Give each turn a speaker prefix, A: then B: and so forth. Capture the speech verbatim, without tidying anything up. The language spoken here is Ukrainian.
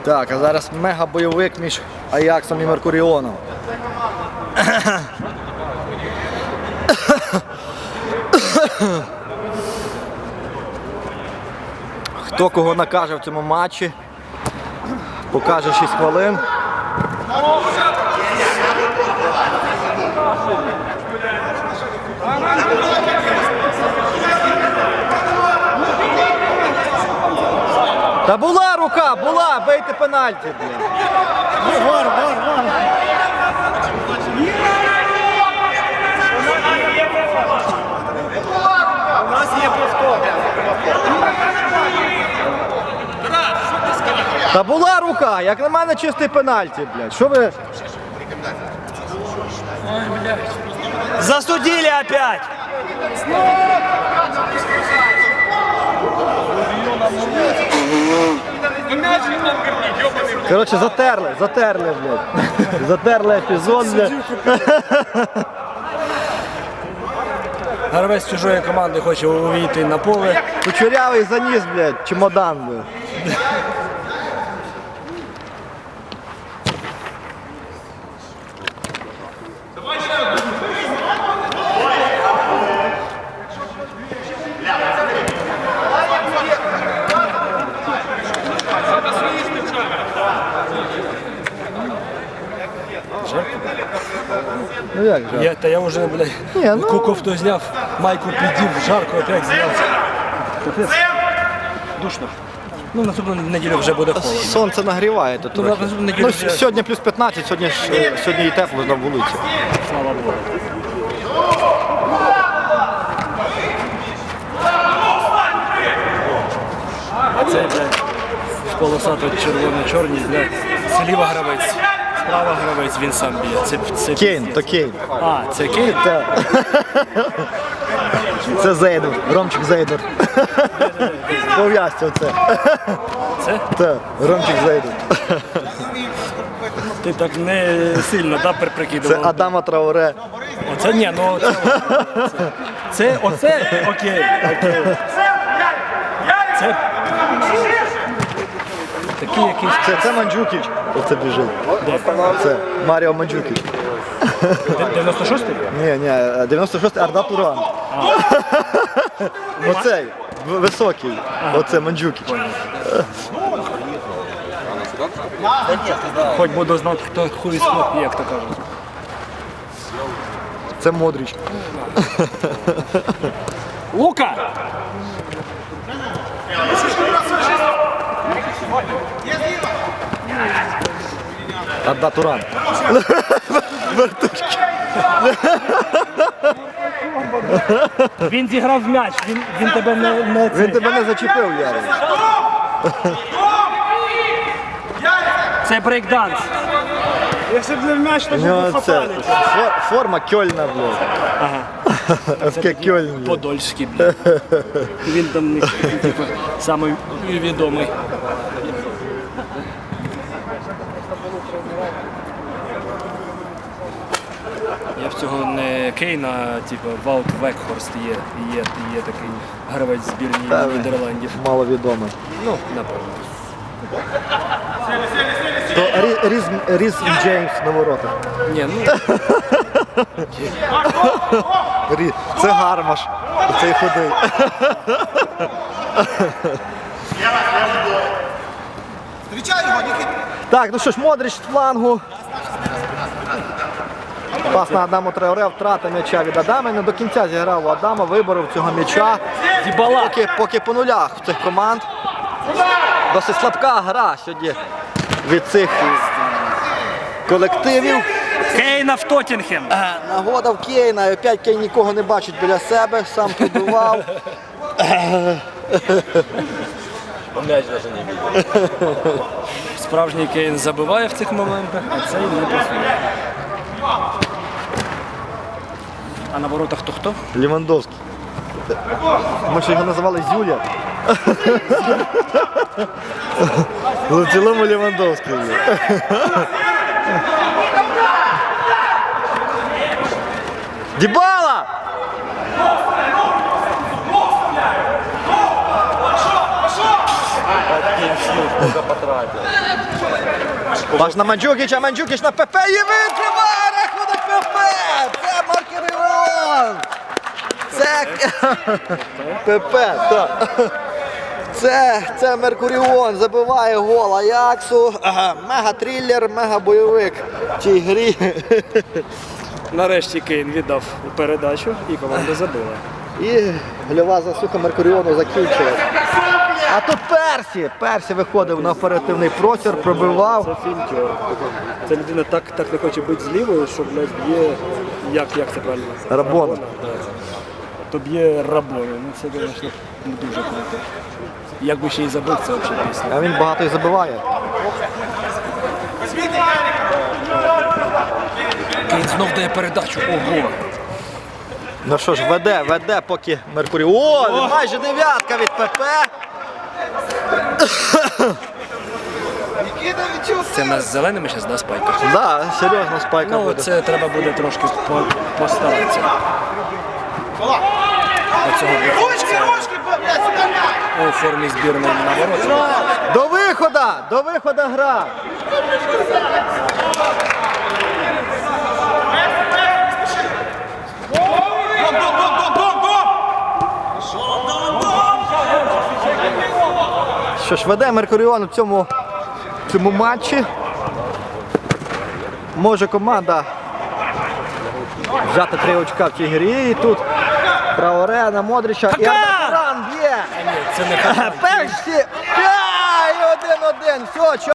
A: Так, а зараз мега-бойовик між Аяксом і Меркуріоном. Хто кого накаже в цьому матчі, покаже шість хвилин. Та була рука, була, бийте пенальті, блін.
B: Вар, вар, вар. У нас є повтор.
A: Та була рука, як на мене чистий пенальті, блядь. Що ви?
B: Засудили опять.
A: Коротше, затерли, затерли, блядь. Затерли епізод, блядь.
B: Гравець чужої команди хоче увійти на поле.
A: Кучерявий заніс, блядь, чемодан, блядь. Ну як же?
B: Я, та я вже, блядь,
A: Ні, ну-
B: куков то зняв, майку підів, жарко опять зняв. Капець. Душно. Ну, наступну неділю вже буде холодно.
A: Сонце нагріває тут
B: Ну,
A: трохи.
B: наступну неділю
A: Ну,
B: вже-
A: сьогодні плюс п'ятнадцять, сьогодні, ж, е, сьогодні і тепло на вулиці.
B: Слава Богу. А це, блядь, в полосато червоно-чорні, блядь, зліва гравець, справа гравець, він сам б'є. Це, це
A: Кейн,
B: пиздець.
A: то Кейн.
B: А, це Кейн?
A: Так. Це Зейдер, Ромчик Зейдер. Пов'язці оце.
B: Це?
A: Так, Ромчик Зейдер.
B: Ти так не сильно, да,
A: Це
B: прикидував?
A: Адама Траоре.
B: Оце ні, ну це, це, це оце окей, окей. Це такий якийсь
A: Це, це Манджукіч. Оце біжить. Це Маріо Манджукіч.
B: дев'яносто шостий?
A: Ні, ні, дев'яносто шостий Арда Туран. Оцей, в- високий. Оце Манджукіч.
B: Хоч буду знати, хто хуй схоп, як то кажуть.
A: Це Модріч.
B: Лука!
A: Арда Туран. Вертушки.
B: Він зіграв в м'яч, він, він тебе не, не
A: Він тебе не зачепив, Ярик.
B: Це брейкданс. Якщо б не в м'яч, то
A: У нього це фор- форма Кьольна, блядь.
B: Ага.
A: еф ке Кьольн, блядь.
B: Подольський, блядь. Він там, типу, самий відомий. Я в цього не Кейна, типу, Ваут Векхорст є, є, є такий гравець збірні
A: Та, він
B: Нідерландів.
A: Маловідомий.
B: Ну, напевно.
A: То Рі- Різ, Різ Джеймс на воротах.
B: Ні, ну,
A: Рі- Це Гармаш. Цей худий. Так, ну що ж, Модріч з флангу. Пас на Адаму Траоре, втрата м'яча від Адама. Не до кінця зіграв у Адама, виборов цього м'яча.
B: Дібала.
A: Поки, поки по нулях в цих команд. Досить слабка гра сьогодні від цих колективів.
B: Кейна в Тоттенхем.
A: Нагода в Кейна, і опять Кейн нікого не бачить біля себе, сам пробивав.
B: Справжній Кейн забиває в цих моментах, а цей не працює. А на воротах то хто?
A: Лівандовський. Ми ще його називали Зюля. Але в цілому Лівандовський. Дібала! Паш на Манджукіча, Манджукіч на ПП і відкриває рахунок ПП! Це Маркеріон! Це ПП, так. Це, це Меркуріон забиває гол Аяксу. Ага, мега-трилер, мега-бойовик в цій грі.
B: Нарешті Кейн віддав передачу і команда забила.
A: І гольова засуха Меркуріону закінчилась. А тут Персі. Персі виходив на оперативний простір, пробивав.
B: Це фінтер. Ця людина так, так не хоче бути з лівою, що, блядь, б'є, як, як це правильно?
A: Рабона.
B: Да. То б'є Рабони. Ну це, звісно, дуже круто. Якби ще й забив, це взагалі пісня.
A: А він багато і забиває.
B: Кейн знов дає передачу. Ого!
A: Ну що ж, веде, веде поки Меркуріон. Майже дев'ятка від ПП.
B: Це нас з зеленими зараз, да, спайка?
A: Да, серйозно спайка
B: Ну,
A: буде.
B: це треба буде трошки по- постаратися. Оцього у формі збірної на ворота.
A: До виходу! До виходу гра! Що ж, веде Меркуріон в цьому, в цьому матчі. Може команда взяти три очка в цій грі. І тут Траоре на Модрича. І Ардакуран б'є!
B: Це не
A: Перші! І один-один! Все,